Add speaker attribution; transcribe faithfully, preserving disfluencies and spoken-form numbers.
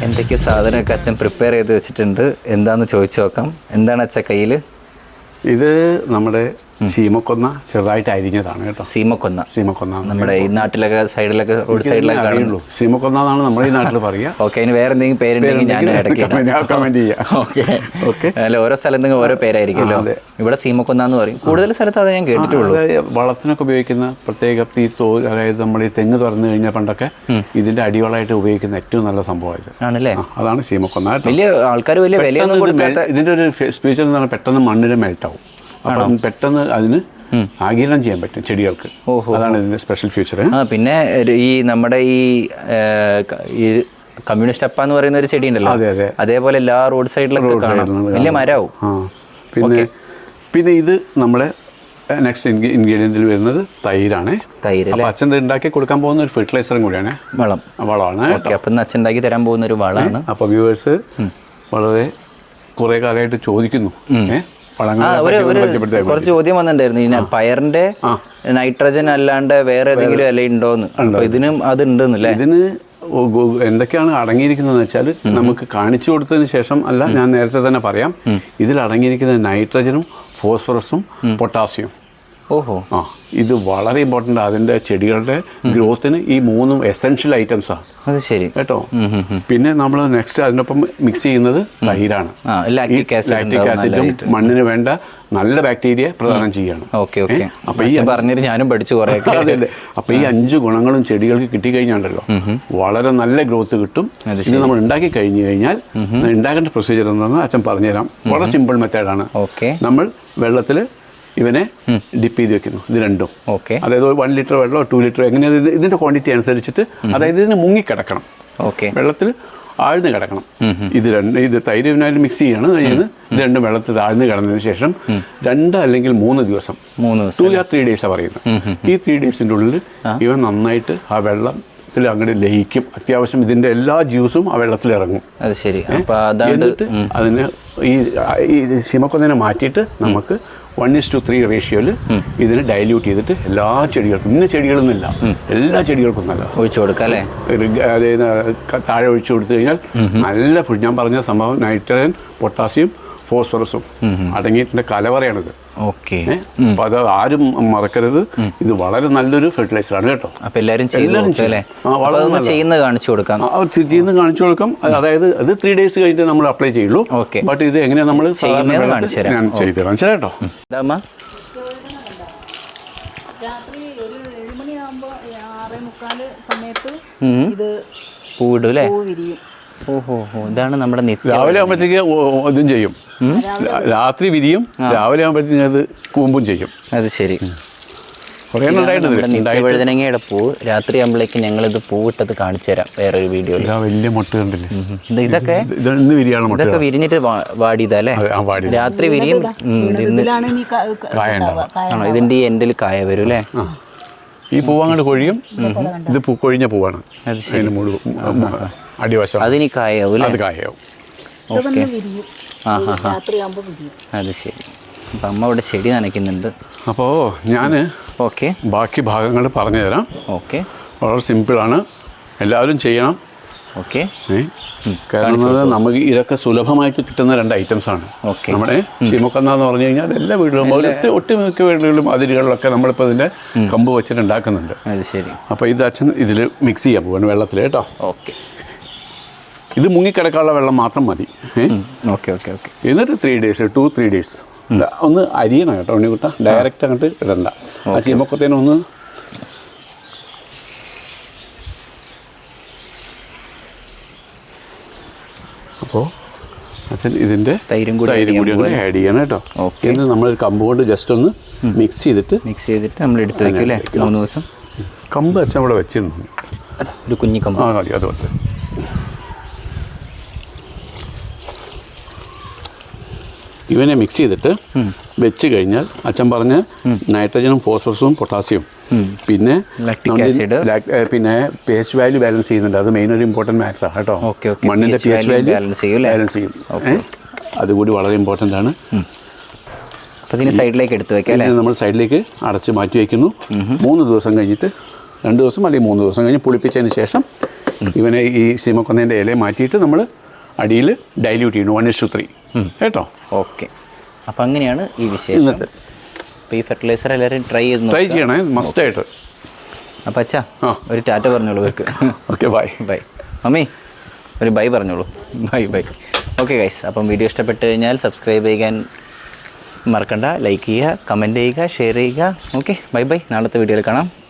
Speaker 1: എന്തൊക്കെ സാധനമൊക്കെ അച്ഛൻ പ്രിപ്പയർ ചെയ്ത് വെച്ചിട്ടുണ്ട് എന്താണെന്ന് ചോദിച്ചു നോക്കാം. എന്താണ് അച്ഛൻ കയ്യിൽ?
Speaker 2: ഇത് നമ്മുടെ സീമക്കൊന്ന ചെറുതായിട്ട് അരിഞ്ഞതാണ് കേട്ടോ.
Speaker 1: സീമക്കൊന്ന
Speaker 2: സീമക്കൊന്ന
Speaker 1: നമ്മുടെ ഈ നാട്ടിലൊക്കെ സൈഡിലൊക്കെ റോഡ് സൈഡിലൊക്കെ കാണുള്ളൂ.
Speaker 2: സീമക്കൊന്ന എന്നാണ് നമ്മുടെ ഈ നാട്ടിൽ പറയുക.
Speaker 1: ഓക്കെ, അതിന് വേറെ എന്തെങ്കിലും പേരുണ്ടെങ്കിൽ ഞാൻ ഇടയ്ക്ക്
Speaker 2: കമന്റ് ചെയ്യാം.
Speaker 1: Okay okay. അല്ല, ഓരോ സ്ഥലത്തും ഓരോ പേരായിരിക്കുമല്ലോ. ഇവിടെ സീമക്കൊന്ന എന്ന് പറയും. കൂടുതൽ സ്ഥലത്ത് അത് ഞാൻ കേട്ടിട്ടുള്ളൂ.
Speaker 2: വളത്തിനൊക്കെ ഉപയോഗിക്കുന്ന പ്രത്യേക ഈ തോ അതായത് നമ്മൾ ഈ തെങ്ങ് തുറന്നു കഴിഞ്ഞാൽ പണ്ടൊക്കെ ഇതിന്റെ അടിവളമായിട്ട് ഉപയോഗിക്കുന്ന ഏറ്റവും നല്ല സംഭവമായിട്ട് ആണല്ലേ. അതാണ് സീമക്കൊന്ന.
Speaker 1: വലിയ ആൾക്കാർ വലിയ വിലയൊന്നും കൊടുക്കാത്ത
Speaker 2: ഇതിന്റെ ഒരു സ്പീച്ചർ എന്ന് പറഞ്ഞാൽ പെട്ടെന്ന് മണ്ണിൽ മെൽട്ടാവും. അപ്പം പെട്ടെന്ന് അതിന് ആഗിരണം ചെയ്യാൻ പറ്റും ചെടികൾക്ക്. അതാണ് ഇതിന്റെ സ്പെഷ്യൽ ഫീച്ചർ.
Speaker 1: ആ പിന്നെ ഈ നമ്മുടെ ഈ കമ്മ്യൂണിസ്റ്റ് അപ്പ എന്ന് പറയുന്ന ഒരു ചെടി ഉണ്ടല്ലോ,
Speaker 2: അതെ അതെ,
Speaker 1: അതേപോലെ എല്ലാ റോഡ് സൈഡിലൊക്കെ കാണാം. വലിയ മരവും.
Speaker 2: പിന്നെ പിന്നെ ഇത് നമ്മളെ നെക്സ്റ്റ് ഇൻഗ്രീഡിയൻറ്റിൽ വരുന്നത് തൈരാണ്.
Speaker 1: തൈര്
Speaker 2: അപ്പോൾ അച്ഛൻ ഉണ്ടാക്കി കൊടുക്കാൻ പോകുന്ന ഒരു ഫെർട്ടിലൈസറും കൂടിയാണ്.
Speaker 1: വളം
Speaker 2: വളമാണ്.
Speaker 1: ഓക്കെ, അപ്പം അച്ഛൻ ഉണ്ടാക്കി തരാൻ പോകുന്ന ഒരു വളമാണ്.
Speaker 2: അപ്പോൾ വ്യൂവേഴ്സ് വളരെ കുറേ കാലമായിട്ട് ചോദിക്കുന്നു
Speaker 1: കുറച്ച് ചോദ്യം വന്നിട്ടുണ്ടായിരുന്നു. ഈ പയറിന്റെ നൈട്രജൻ അല്ലാണ്ട് വേറെ ഏതെങ്കിലും ഇല ഉണ്ടോന്ന്. അപ്പൊ ഇതിനും അത് ഉണ്ടെന്നല്ലേ?
Speaker 2: ഇതിന് എന്തൊക്കെയാണ് അടങ്ങിയിരിക്കുന്നതെന്ന് വെച്ചാൽ നമുക്ക് കാണിച്ചു കൊടുത്തതിന് ശേഷം അല്ല, ഞാൻ നേരത്തെ തന്നെ പറയാം. ഇതിൽ അടങ്ങിയിരിക്കുന്ന നൈട്രജനും ഫോസ്ഫറസും പൊട്ടാസ്യവും.
Speaker 1: ഓഹോ.
Speaker 2: ആ, ഇത് വളരെ ഇമ്പോർട്ടൻ്റ്. അതിൻ്റെ ചെടികളുടെ ഗ്രോത്തിന് ഈ മൂന്നും എസെൻഷ്യൽ ഐറ്റംസാണ്.
Speaker 1: അത് ശരി
Speaker 2: കേട്ടോ. പിന്നെ നമ്മൾ നെക്സ്റ്റ് അതിനൊപ്പം മിക്സ് ചെയ്യുന്നത് തൈരാണ്.
Speaker 1: ലാക്റ്റിക്
Speaker 2: ആസിഡും മണ്ണിന് വേണ്ട നല്ല ബാക്ടീരിയ പ്രദാനം ചെയ്യാണ്.
Speaker 1: Okay okay. അപ്പൊ ഈ പറഞ്ഞിട്ട് ഞാനും പഠിച്ചു കുറേ.
Speaker 2: അതെ അതെ. അപ്പൊ ഈ അഞ്ച് ഗുണങ്ങളും ചെടികൾക്ക് കിട്ടിക്കഴിഞ്ഞാണ്ടല്ലോ വളരെ നല്ല ഗ്രോത്ത് കിട്ടും. ഇത് നമ്മൾ ഉണ്ടാക്കി കഴിഞ്ഞു കഴിഞ്ഞാൽ ഉണ്ടാക്കേണ്ട പ്രൊസീജിയർ എന്താണെന്ന് അച്ഛൻ പറഞ്ഞുതരാം. വളരെ സിമ്പിൾ മെത്തേഡാണ്.
Speaker 1: ഓക്കെ.
Speaker 2: നമ്മൾ വെള്ളത്തിൽ ഇവനെ ഡിപ്പ് ചെയ്ത് വെക്കുന്നു. ഇത് രണ്ടും.
Speaker 1: ഓക്കെ.
Speaker 2: അതായത് വൺ ലിറ്റർ വെള്ളമോ ടു ലിറ്റർ എങ്ങനെയാണ് ഇത് ഇതിന്റെ ക്വാണ്ടിറ്റി അനുസരിച്ചിട്ട്, അതായത് ഇതിന് മുങ്ങിക്കിടക്കണം.
Speaker 1: ഓക്കെ.
Speaker 2: വെള്ളത്തിൽ ആഴ്ന്ന് കിടക്കണം. ഇത് രണ്ട് ഇത് തൈര് ഇതിനായിട്ട് മിക്സ് ചെയ്യാണ് ചെയ്യുന്നത്. ഇത് രണ്ടും വെള്ളത്തിൽ ആഴ്ന്ന് കിടന്നതിന് ശേഷം രണ്ട് അല്ലെങ്കിൽ മൂന്ന് ദിവസം മൂന്ന് ടു ആർ ത്രീ ഡേയ്സാണ് പറയുന്നത്. ഈ ത്രീ ഡേയ്സിൻ്റെ ഉള്ളിൽ ഇവ നന്നായിട്ട് ആ വെള്ളം അങ്ങോട്ട് ലയിക്കും. അത്യാവശ്യം ഇതിന്റെ എല്ലാ ജ്യൂസും ആ വെള്ളത്തിൽ ഇറങ്ങും.
Speaker 1: അത് ശരി.
Speaker 2: എന്നിട്ട് അതിന് ഈ ശിമക്കൊന്നിനെ മാറ്റിയിട്ട് നമുക്ക് വൺ ഇസ് ടു ത്രീ റേഷ്യോയിൽ ഇതിനെ ഡൈല്യൂട്ട് ചെയ്തിട്ട് എല്ലാ ചെടികൾക്കും, ഇന്ന ചെടികളൊന്നുമില്ല, എല്ലാ ചെടികൾക്കും നല്ല
Speaker 1: ഒഴിച്ചു കൊടുക്കാം അല്ലേ.
Speaker 2: അതായത് താഴെ ഒഴിച്ചു കൊടുത്തു കഴിഞ്ഞാൽ നല്ല ഫുഡ്. ഞാൻ പറഞ്ഞ സംഭവം നൈട്രജൻ പൊട്ടാസ്യം ഫോസ്ഫറസും അടങ്ങിയിട്ടുണ്ട് കലവറയാണിത്.
Speaker 1: ഓക്കെ.
Speaker 2: അപ്പൊ അത് ആരും മറക്കരുത്. ഇത് വളരെ നല്ലൊരു ഫെർട്ടിലൈസർ ആണ് കേട്ടോ.
Speaker 1: അപ്പൊ എല്ലാവരും ചെയ്യുന്നത് കാണിച്ചു കൊടുക്കാം.
Speaker 2: ചെയ്യുന്നത് കാണിച്ചു കൊടുക്കാം. അതായത് അത് ത്രീ ഡേയ്സ് കഴിഞ്ഞിട്ട് നമ്മൾ അപ്ലൈ ചെയ്യുള്ളൂ. ബട്ട് ഇത് എങ്ങനെയാ നമ്മൾ ഞാൻ ചെയ്തു തരാം കേട്ടോ.
Speaker 1: പൂവിടും അല്ലേ? ഓഹോ, ഇതാണ് നമ്മുടെ
Speaker 2: രാവിലെ ആകുമ്പോഴത്തേക്ക് ഇതും ചെയ്യും, രാത്രി വിരിയും, രാവിലെ ആകുമ്പോഴത്തേക്ക് അത് കൂമ്പും ചെയ്യും.
Speaker 1: അത് ശരി.
Speaker 2: നിത്യവഴുതനങ്ങയുടെ
Speaker 1: പൂവ് രാത്രി ആകുമ്പോഴേക്ക് ഞങ്ങളിത് പൂവിട്ടത് കാണിച്ചു തരാം വേറൊരു വീഡിയോയിൽ.
Speaker 2: വലിയ മുട്ട കണ്ടില്ലേ?
Speaker 1: ഇതൊക്കെ ഇതൊക്കെ വിരിഞ്ഞിട്ട് വാടിയതല്ലേ? രാത്രി വിരിയും. ആണോ? ഇതിന്റെ ഈ എൻഡിൽ കായ വരും അല്ലേ?
Speaker 2: ഈ പൂവ് അങ്ങോട്ട് കൊഴിയും. ഇത് പൂ കൊഴിഞ്ഞ പൂവാണ്.
Speaker 1: അത് ശരി.
Speaker 2: അടിവശം
Speaker 1: അതിന് കായാവും.
Speaker 2: അത് കായാവും.
Speaker 1: ഓക്കെ. ആ ഹാ ഹാ. അത് ശരി. അപ്പം അമ്മ ഇവിടെ ചെടി നനയ്ക്കുന്നുണ്ട്.
Speaker 2: അപ്പോൾ ഞാൻ
Speaker 1: ഓക്കെ
Speaker 2: ബാക്കി ഭാഗങ്ങൾ പറഞ്ഞു തരാം.
Speaker 1: ഓക്കെ.
Speaker 2: വളരെ സിമ്പിളാണ്, എല്ലാവരും ചെയ്യണം.
Speaker 1: ഓക്കെ.
Speaker 2: കാരണം നമുക്ക് ഇതൊക്കെ സുലഭമായിട്ട് കിട്ടുന്ന രണ്ട് ഐറ്റംസ് ആണ്. നമ്മുടെ ശിമക്കൊന്ന എന്ന് പറഞ്ഞു കഴിഞ്ഞാൽ എല്ലാ വീടുകളും ഒട്ടുമിക്ക വീടുകളിലും അതിരുകളിലൊക്കെ നമ്മളിപ്പോൾ ഇതിൻ്റെ കമ്പ് വെച്ചിട്ട് ഉണ്ടാക്കുന്നുണ്ട്.
Speaker 1: അത് ശരി.
Speaker 2: അപ്പോൾ ഇത് അച്ഛൻ ഇതിൽ മിക്സ് ചെയ്യാൻ പോവാണ് വെള്ളത്തിൽ കേട്ടോ.
Speaker 1: ഓക്കെ.
Speaker 2: ഇത് മുങ്ങിക്കിടക്കാനുള്ള വെള്ളം മാത്രം മതി.
Speaker 1: Okay okay okay.
Speaker 2: എന്നിട്ട് three days two three days ഒന്ന് അരിയണം കേട്ടോ ഉണ്ണിക്കുട്ട. ഡയറക്റ്റ് അങ്ങോട്ട് ഇടണ്ട. ആ ശിമക്കൊത്തേനെ ഒന്ന് അപ്പോൾ അച്ഛൻ ഇതിൻ്റെ
Speaker 1: തൈരും കൂടി
Speaker 2: തൈരും കൂടി അങ്ങനെ ആഡ് ചെയ്യണം കേട്ടോ. എന്നിട്ട് നമ്മൾ കമ്പ് കൊണ്ട് ജസ്റ്റ് ഒന്ന് മിക്സ് ചെയ്തിട്ട്
Speaker 1: മിക്സ് ചെയ്തിട്ട് നമ്മൾ എടുത്ത് വയ്ക്കും അല്ലേ? മൂന്ന് ദിവസം.
Speaker 2: കമ്പ് അച്ഛൻ ഇവിടെ വെച്ചിരുന്നു,
Speaker 1: ഒരു കുഞ്ഞി കമ്പ്.
Speaker 2: ആ മതി, അതുപോലെ ഇവനെ മിക്സ് ചെയ്തിട്ട് വെച്ച് കഴിഞ്ഞാൽ അച്ഛൻ പറഞ്ഞ നൈട്രജനും ഫോസ്ഫറസും പൊട്ടാസ്യവും പിന്നെ പിന്നെ പി എച്ച് വാല്യൂ ബാലൻസ് ചെയ്യുന്നുണ്ട്. അത് മെയിൻ ഒരു ഇമ്പോർട്ടൻറ്റ് മാറ്ററാണ് കേട്ടോ. മണ്ണിൻ്റെ പി എച്ച് വാല്യൂ ബാലൻസ് ചെയ്യും. അതുകൂടി വളരെ ഇമ്പോർട്ടൻ്റ് ആണ്.
Speaker 1: സൈഡിലേക്ക് എടുത്ത് വെക്കാം.
Speaker 2: നമ്മൾ സൈഡിലേക്ക് അടച്ച് മാറ്റി വയ്ക്കുന്നു. മൂന്ന് ദിവസം കഴിഞ്ഞിട്ട്, രണ്ട് ദിവസം അല്ലെങ്കിൽ മൂന്ന് ദിവസം കഴിഞ്ഞ് പുളിപ്പിച്ചതിന് ശേഷം ഇവനെ ഈ സീമക്കൊന്നേൻ്റെ ഇല മാറ്റിയിട്ട് നമ്മൾ അടിയിൽ ഡൈല്യൂട്ട് ചെയ്യുന്നു വൺ ഇസ് ടു ത്രീ കേട്ടോ.
Speaker 1: ഓക്കെ, അപ്പം അങ്ങനെയാണ് ഈ വിഷയം ഇന്നത്തെ. അപ്പോൾ ഈ ഫെർട്ടിലൈസർ എല്ലാവരും ട്രൈ ചെയ്ത്
Speaker 2: ട്രൈ ചെയ്യണേ മസ്റ്റായിട്ട്.
Speaker 1: അപ്പം അച്ഛാ ഒരു ടാറ്റ പറഞ്ഞോളൂ ഇവർക്ക്.
Speaker 2: Okay bye.
Speaker 1: ബൈ മമ്മി, ഒരു ബൈ പറഞ്ഞോളൂ. Bye bye. ഓക്കെ ഗൈസ്, അപ്പം വീഡിയോ ഇഷ്ടപ്പെട്ട് കഴിഞ്ഞാൽ സബ്സ്ക്രൈബ് ചെയ്യാൻ മറക്കണ്ട, ലൈക്ക് ചെയ്യുക, കമൻറ്റ് ചെയ്യുക, ഷെയർ ചെയ്യുക. Okay, bye bye. നാളത്തെ വീഡിയോയിൽ കാണാം.